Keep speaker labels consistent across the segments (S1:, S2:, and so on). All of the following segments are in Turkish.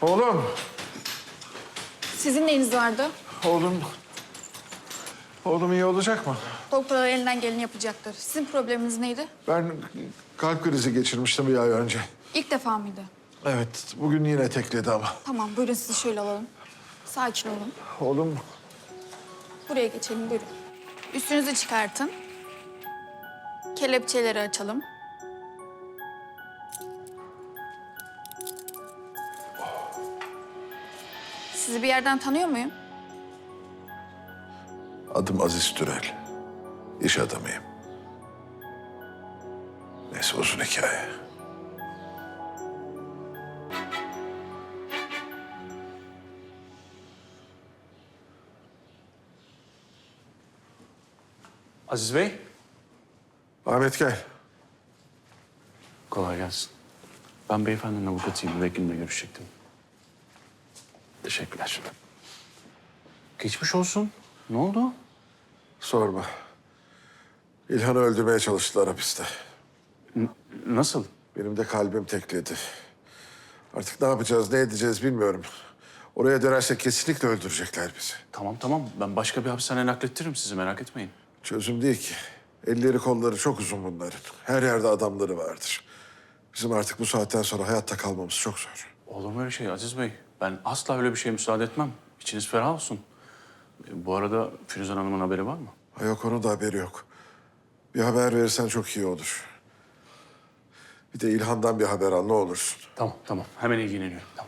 S1: Oğlum,
S2: Sizin neyiniz vardı?
S1: oğlum iyi olacak mı?
S2: Doktorlar elinden geleni yapacaktır. Sizin probleminiz neydi?
S1: Ben kalp krizi geçirmiştim bir ay önce.
S2: İlk defa mıydı?
S1: Evet, bugün yine tekledi ama.
S2: Tamam, buyurun sizi şöyle alalım. Sakin olun.
S1: Oğlum,
S2: Buraya geçelim, buyurun. Üstünüzü çıkartın. Kelepçeleri açalım. Sizi bir yerden tanıyor muyum?
S1: adım Aziz Türel. İş adamıyım. Neyse uzun hikaye.
S3: Aziz Bey.
S1: Ahmet gel.
S3: Kolay gelsin. Ben beyefendinin avukatıyım. Vekilimle görüşecektim. Teşekkürler. Geçmiş olsun. Ne oldu?
S1: Sorma. İlhan'ı öldürmeye çalıştılar hapiste.
S3: Nasıl?
S1: Benim de kalbim tekledi. Artık ne yapacağız, ne edeceğiz bilmiyorum. Oraya dönersek kesinlikle öldürecekler bizi.
S3: Tamam. Ben başka bir hapishaneye naklettiririm sizi. Merak etmeyin.
S1: Çözüm değil ki. Elleri kolları çok uzun bunların. Her yerde adamları vardır. Bizim artık bu saatten sonra hayatta kalmamız çok zor.
S3: Olur mu öyle şey Aziz Bey? Ben asla öyle bir şeye müsaade etmem. İçiniz ferah olsun. Bu arada Firuzan Hanım'ın haberi var mı?
S1: Ha yok, onun da haberi yok. Bir haber verirsen çok iyi olur. Bir de İlhan'dan bir haber al ne olursun.
S3: Tamam. Hemen ilgileniyorum. Tamam.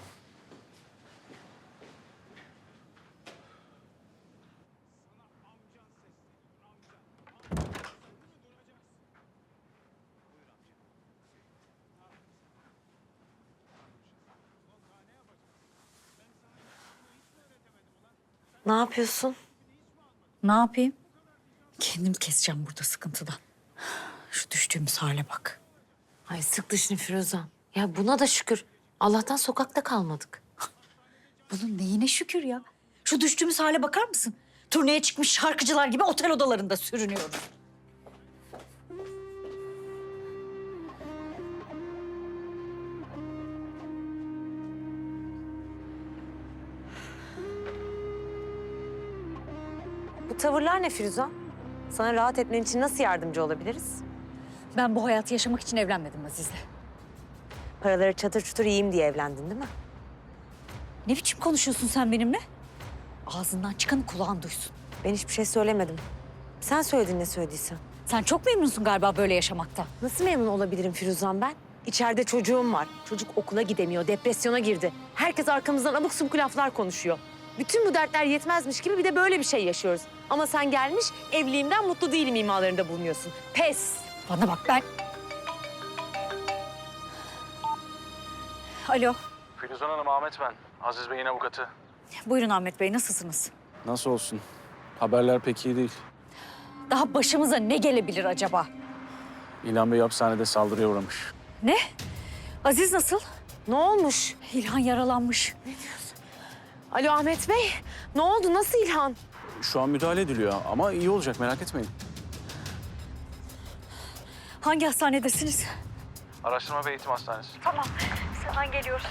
S4: Ne yapıyorsun?
S5: Ne yapayım? Kendim keseceğim burada sıkıntıdan. Şu düştüğümüz hale bak.
S4: Ay sık dişini Firuzan. Ya buna da şükür. Allah'tan sokakta kalmadık.
S5: Bunun neyine şükür ya? Şu düştüğümüz hale bakar mısın? Turneye çıkmış şarkıcılar gibi otel odalarında sürünüyoruz.
S4: Bu tavırlar ne Firuzan? Sana rahat etmen için nasıl yardımcı olabiliriz?
S5: Ben bu hayatı yaşamak için evlenmedim Aziz'le.
S4: Paraları çatır çutur yiyeyim diye evlendin değil mi?
S5: Ne biçim konuşuyorsun sen benimle? Ağzından çıkanı kulağın duysun.
S4: Ben hiçbir şey söylemedim. Sen söyledin ne söylediysen.
S5: Sen çok memnunsun galiba böyle yaşamaktan.
S4: Nasıl memnun olabilirim Firuzan ben? İçeride çocuğum var. Çocuk okula gidemiyor, depresyona girdi. Herkes arkamızdan abuk subuk laflar konuşuyor. Bütün bu dertler yetmezmiş gibi bir de böyle bir şey yaşıyoruz. Ama sen gelmiş evliliğimden mutlu değilim imalarında bulunuyorsun. Pes!
S5: Bana bak ben... Alo.
S3: Firuzan Hanım, Ahmet ben. Aziz Bey'in avukatı.
S5: Buyurun Ahmet Bey, nasılsınız?
S3: Nasıl olsun? Haberler pek iyi değil.
S5: Daha başımıza ne gelebilir acaba?
S3: İlhan Bey hapishanede saldırıya uğramış.
S5: Ne? Aziz nasıl?
S4: Ne olmuş?
S5: İlhan yaralanmış.
S4: Alo Ahmet Bey, ne oldu? Nasıl İlhan?
S3: Şu an müdahale ediliyor ama iyi olacak, merak etmeyin.
S5: Hangi hastanedesiniz?
S3: Araştırma ve Eğitim Hastanesi.
S5: Tamam, hemen geliyoruz.